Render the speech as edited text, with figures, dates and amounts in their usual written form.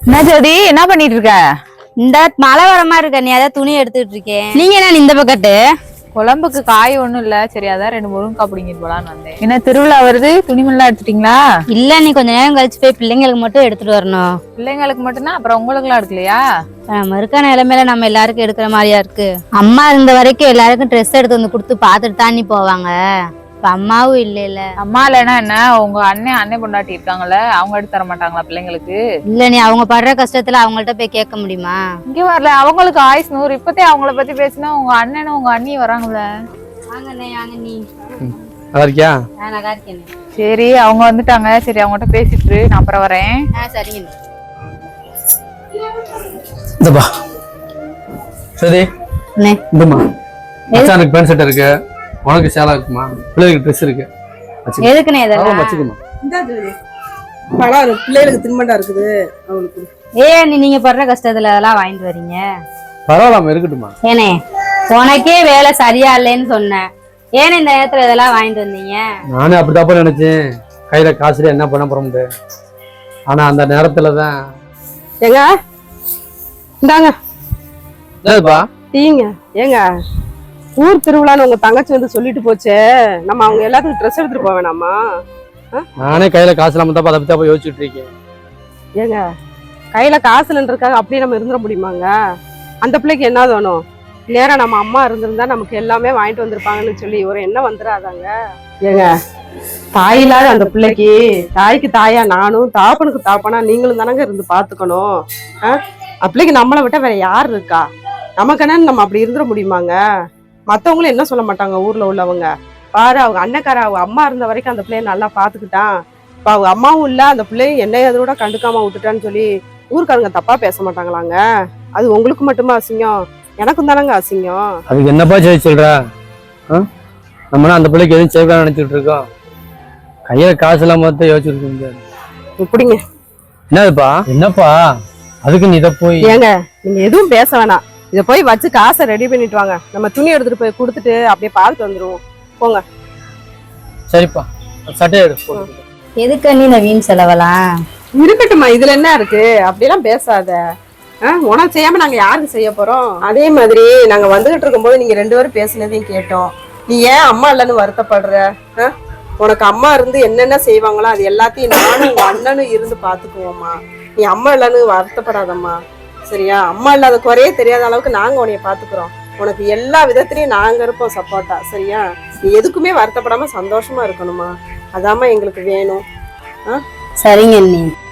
என்ன ஜோதி, என்ன பண்ணிட்டு இருக்க? இந்த மழை வர மாதிரி இருக்க, நீ அதான் துணி எடுத்துட்டு இருக்கேன். நீங்க என்ன இந்த பக்கத்து குழம்புக்கு காய் ஒண்ணும் இல்ல, சரி அதான் 2 முருங்கக்காய் பிடிங்கிட்டு போலான்னு வந்தேன். என்ன திருவிழா வருது, துணிமணிலாம் எடுத்துட்டீங்களா? இல்ல, நீ கொஞ்ச நேரம் கழிச்சு போய் பிள்ளைங்களுக்கு மட்டும் எடுத்துட்டு வரணும். பிள்ளைங்களுக்கு மட்டும்னா அப்புறம் உங்களுக்கு எல்லாம் எடுக்கலையா? நம்ம இருக்க நிலைமையில நம்ம எல்லாருக்கும் எடுக்கிற மாதிரியா இருக்கு. அம்மா இருந்த வரைக்கும் எல்லாருக்கும் ட்ரெஸ் எடுத்து வந்து கொடுத்து பாத்துட்டு தாண்டி போவாங்க. இப்ப அம்மாவும் இல்ல. அம்மா இல்லைன்னா என்ன, உங்க அண்ணன் பொண்டாட்டி இருக்காங்கல்ல, அவங்க எடுத்து தர மாட்டாங்களா பிள்ளைங்களுக்கு? இல்ல, நீ அவங்க படுற கஷ்டத்துல அவங்கள்ட்ட போய் கேட்க முடியுமா? இங்க வரல, அவங்களுக்கு ஆயுஸ் 100. இப்பத்தே அவங்கள பத்தி பேசினா உங்க அண்ணனும் உங்க அண்ணியும் வராங்கல்ல. நல்லா இருக்கியா? நல்லா இருக்கேன். சரி, அவங்க வந்துட்டாங்க. சரி, அவங்ககிட்ட பேசிட்டு நான் அப்புறம் வரேன். சரிங்க. இந்தப்பா சரி, இந்தம்மா மச்சானுக்கு பேண்ட் ஷர்ட் இருக்கு, உனக்கு சேலா இருக்குமா, பிள்ளைகளுக்கு ட்ரெஸ் இருக்கு. எதுக்குண்ணே இதெல்லாம்? வச்சுக்கோமா. பழம் இருக்கு, பிள்ளைகளுக்கு தின்பண்டா இருக்குது அவங்களுக்கு. நீங்க படுற கஷ்டத்துல அதெல்லாம் வாங்கிட்டு வரீங்க? பரவாயில்லாம இருக்கட்டுமா. ஏனே, உனக்கே வேலை சரியா இல்லைன்னு சொன்னேன், ஏன்னா இந்த நேரத்துல இதெல்லாம் வாங்கிட்டு வந்தீங்க? நானே அப்படித்தாப்ப நினைச்சேன், கையில காசுல என்ன பண்ண போறோம்ட்டு. ஆனா அந்த நேரத்துலதான் ஏங்க இந்தாங்க என்னதுப்பா டீங்க. ஏங்க, ஊர் திருவிழான்னு உங்க தங்கச்சி வந்து சொல்லிட்டு போச்சே, நம்ம அவங்க எல்லாத்துக்கும் ட்ரெஸ் எடுத்துட்டு போக வேணாமா? நானே கையில காசு இல்லாம தான் அதை பத்தி யோசிச்சுட்டு இருக்கேன். ஏங்க, கையில காசுலன்றக்காக அப்படியே நம்ம இருந்துட முடியுமாங்க? அந்த பிள்ளைக்கு என்ன வேணும்? நேரம் நம்ம அம்மா இருந்திருந்தா நமக்கு எல்லாமே வாங்கிட்டு வந்திருப்பாங்கன்னு சொல்லி ஒரு எண்ணம் வந்துடாதாங்க? ஏங்க, தாய் இல்லாத அந்த பிள்ளைக்கு தாய்க்கு தாயா நானும், தாப்பனுக்கு தாப்பனா நீங்களும் தானங்க இருந்து பாத்துக்கணும். பிள்ளைக்கு நம்மளை விட்ட வேற யார் இருக்கா? நமக்கு என்னன்னு நம்ம அப்படி இருந்துட முடியுமாங்க? மத்தவங்களும் என்ன சொல்ல மாட்டாங்க ஊர்ல உள்ளவங்க? பாரு, அவங்க அண்ணக்கார அவங்க அம்மா இருந்த வரைக்கும் அந்த பிள்ளைய நல்லா பாத்துக்கிட்டான், இப்ப அவங்க அம்மாவும் இல்ல, அந்த பிள்ளையும் என்னைய அதோட கண்டுக்காம விட்டுட்டான்னு சொல்லி ஊருக்காரங்க தப்பா பேச மாட்டாங்களாங்க? அது உங்களுக்கு மட்டுமா அசிங்கம்? எனக்கும் தானங்க அசிங்கம். அதுக்கு என்னப்பா செய்ய சொல்ற? நம்மனா அந்த பிள்ளைக்கு எதுவும் செய்ய நினைச்சிட்டு இருக்கோம், கையில காசு இல்லாம தான் யோசிச்சுட்டு முடியாது. இப்படிங்க. என்னதுப்பா? என்னப்பா அதுக்கு நீ இதை போய்? ஏங்க, நீங்க எதுவும் பேச வேணாம், இதை போய் வச்சு காசை ரெடி பண்ணிட்டு வாங்க, நம்ம துணி எடுத்துட்டு போய் கொடுத்துட்டு அப்படியே பார்த்துட்டு வந்துருவோம். போங்க. சரிப்பா, சட்டையை எடு. எதுக்கு நீ இந்த வீண் செலவெல்லாம்? இருக்கட்டும்மா, இதுல என்ன இருக்கு? அப்படியெல்லாம் பேசாத. உனக்கு செய்யாம நாங்க யாருக்கு செய்ய போறோம்? அதே மாதிரி நாங்க வந்துகிட்டு இருக்கும்போது நீங்க 2 பேரும் பேசினதையும் கேட்டோம். நீ ஏன் அம்மா இல்லைன்னு வருத்தப்படுற? உனக்கு அம்மா இருந்து என்னென்ன செய்வாங்களோ அது எல்லாத்தையும் நானும் உங்க அண்ணனும் இருந்து பாத்துக்குவோம்மா. நீ அம்மா இல்லைன்னு வருத்தப்படாதம்மா, சரியா? அம்மா இல்லாத குறையே தெரியாத அளவுக்கு நாங்க உன்னைய பாத்துக்கிறோம். உனக்கு எல்லா விதத்திலயும் நாங்க இருப்போம் சப்போர்ட்டா, சரியா? நீ எதுக்குமே வருத்தப்படாம சந்தோஷமா இருக்கணுமா, அதாம்மா எங்களுக்கு வேணும். சரிங்க அண்ணி.